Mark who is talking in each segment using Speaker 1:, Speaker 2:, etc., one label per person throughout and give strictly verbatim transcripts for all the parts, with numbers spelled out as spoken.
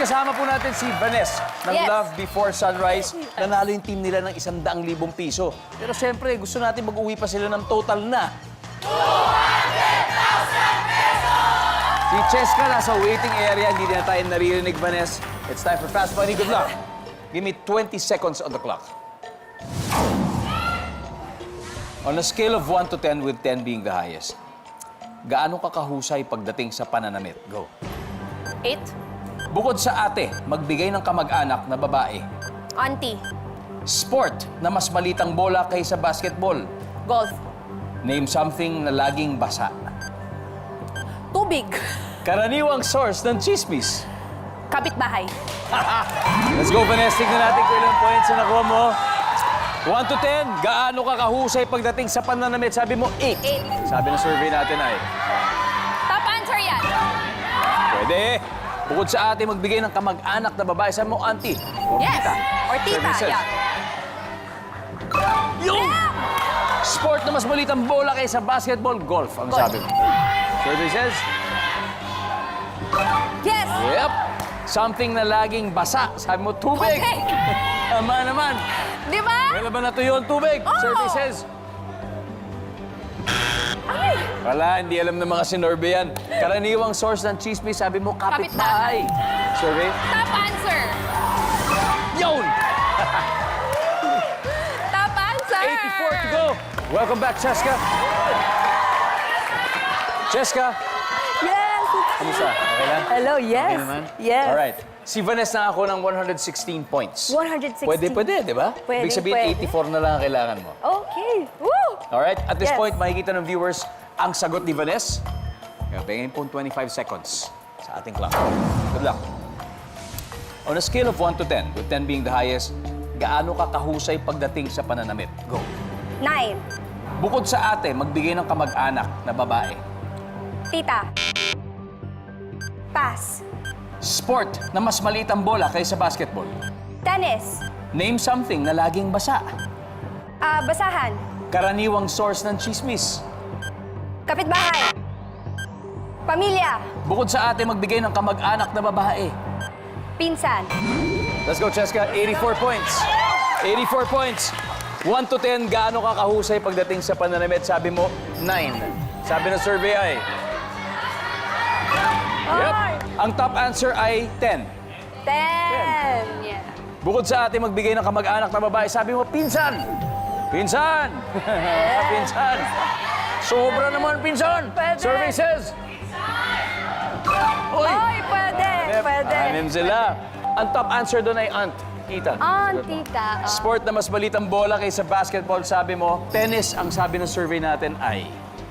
Speaker 1: kasama po natin si Vanessa ng
Speaker 2: Yes.
Speaker 1: Love Before Sunrise. Nanalo yung team nila ng isang daang libong piso. Pero siyempre, gusto natin mag-uwi pa sila ng total na two hundred thousand pesos! Si Cheska nasa waiting area. Hindi na tayo naririnig, Vanessa. It's time for Fast Money. Good luck. Give me twenty seconds on the clock. On a scale of one to ten, with ten being the highest, gaano ka kahusay pagdating sa pananamit? Go.
Speaker 2: Eight.
Speaker 1: Bukod sa ate, magbigay ng kamag-anak na babae.
Speaker 2: Auntie.
Speaker 1: Sport na mas malitang bola kaysa basketball.
Speaker 2: Golf.
Speaker 1: Name something na laging basa.
Speaker 2: Tubig.
Speaker 1: Karaniwang source ng chismis.
Speaker 2: Kapitbahay.
Speaker 1: Let's go, Vanessa. Tignan natin kung ilang points na nakuha mo. one to ten, gaano ka kahusay pagdating sa pananamit? Sabi mo, eight.
Speaker 2: Eight.
Speaker 1: Sabi ng survey natin ay,
Speaker 2: Top answer yan.
Speaker 1: pwede. Bukod sa ate, magbigay ng kamag-anak na babae. Sabi mo, auntie. Or
Speaker 2: Yes.
Speaker 1: tita.
Speaker 2: Or tita,
Speaker 1: Services.
Speaker 2: yeah.
Speaker 1: Yun! Sport na mas malitang bola kaysa basketball, golf, ang
Speaker 2: Golf.
Speaker 1: sabi mo. Survey says,
Speaker 2: Yes.
Speaker 1: yep. Something na laging basa. Sabi mo, tubig.
Speaker 2: Tubig.
Speaker 1: Tama naman.
Speaker 2: Di ba?
Speaker 1: Kailan ba natuyo ang tubig?
Speaker 2: Oo.
Speaker 1: Survey says,
Speaker 2: Ay.
Speaker 1: wala, hindi alam ng mga sinorbe yan. Karaniwang source ng chismis, sabi mo, kapitbahay. Survey?
Speaker 2: Top answer.
Speaker 1: Yun!
Speaker 2: Top answer.
Speaker 1: eighty-four to go. Welcome back, Cheska. Cheska,
Speaker 2: Yes.
Speaker 1: kamusta? Okay lang?
Speaker 2: Hello, yes.
Speaker 1: Okay naman?
Speaker 2: Yes.
Speaker 1: Alright. Si Vanessa na ako ng one hundred sixteen points.
Speaker 2: one hundred sixteen.
Speaker 1: Pwede, pwede, di ba?
Speaker 2: Pwede,
Speaker 1: Ibig sabihin,
Speaker 2: pwede.
Speaker 1: eighty-four na lang ang kailangan mo.
Speaker 2: Okay. Woo!
Speaker 1: Alright? At this
Speaker 2: Yes.
Speaker 1: point, makikita ng viewers ang sagot ni Vanessa. Kaya pingin po twenty-five seconds sa ating clock. Good luck. On a scale of one to ten, with ten being the highest, gaano ka kahusay pagdating sa pananamit? Go.
Speaker 2: Nine.
Speaker 1: Bukod sa ate, magbigay ng kamag-anak na babae.
Speaker 2: Tita. Pass.
Speaker 1: Sport na mas maliit ang bola kaysa basketball.
Speaker 2: Tennis.
Speaker 1: Name something na laging basa.
Speaker 2: Ah, basahan.
Speaker 1: Karaniwang source ng chismis.
Speaker 2: Kapitbahay. Pamilya.
Speaker 1: Bukod sa ate, magbigay ng kamag-anak na babae.
Speaker 2: Pinsan.
Speaker 1: Let's go, Cheska. eighty-four points. eighty-four points. one to ten, gaano ka kahusay pagdating sa pananamit? Sabi mo, nine. Sabi ng survey ay... Yep. Ang top answer ay ten.
Speaker 2: Ten. Yeah.
Speaker 1: Bukod sa ate, magbigay ng kamag-anak na babae. Sabi mo, pinsan. Pinsan. Pinsan. Sobra naman, pinsan.
Speaker 2: Pwede.
Speaker 1: Survey says... Uy.
Speaker 2: Oy, pwede.
Speaker 1: Yep,
Speaker 2: Pwede.
Speaker 1: anim sila. Ang top answer doon ay aunt. Tita.
Speaker 2: Aunt, tita. Oh.
Speaker 1: Sport na mas malitang bola kaysa basketball, sabi mo. Tennis, ang sabi ng survey natin ay...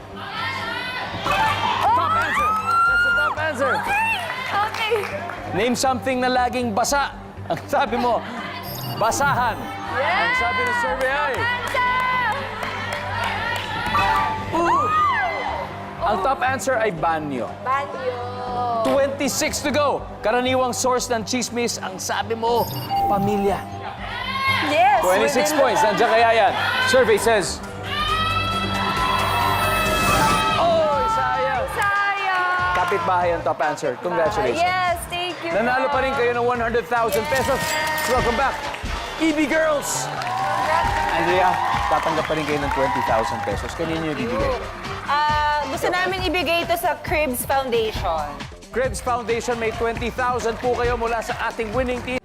Speaker 1: Top answer! That's the top answer.
Speaker 2: Okay.
Speaker 1: Name something na laging basa. Ang sabi mo, basahan.
Speaker 2: Yeah.
Speaker 1: Ang sabi ng survey ay...
Speaker 2: Answer.
Speaker 1: Ooh. Ang top answer ay banyo.
Speaker 2: Banyo.
Speaker 1: twenty-six to go. Karaniwang source ng chismis, ang sabi mo, pamilya.
Speaker 2: Yes.
Speaker 1: twenty-six
Speaker 2: within
Speaker 1: points.
Speaker 2: the-
Speaker 1: Nandiyan kaya yan. Survey says... Oh, sayang.
Speaker 2: Sayang.
Speaker 1: Kapitbahay ang top answer. Congratulations.
Speaker 2: Yes, thank you.
Speaker 1: Nanalo pa rin kayo ng one hundred thousand pesos. Welcome back, E B Girls! Andrea, tatanggap pa rin kayo ng twenty thousand pesos. Kanino yung bibigay?
Speaker 3: Ah, gusto namin ibigay ito sa Cribs Foundation.
Speaker 1: Krebs Foundation, may twenty thousand po kayo mula sa ating winning team.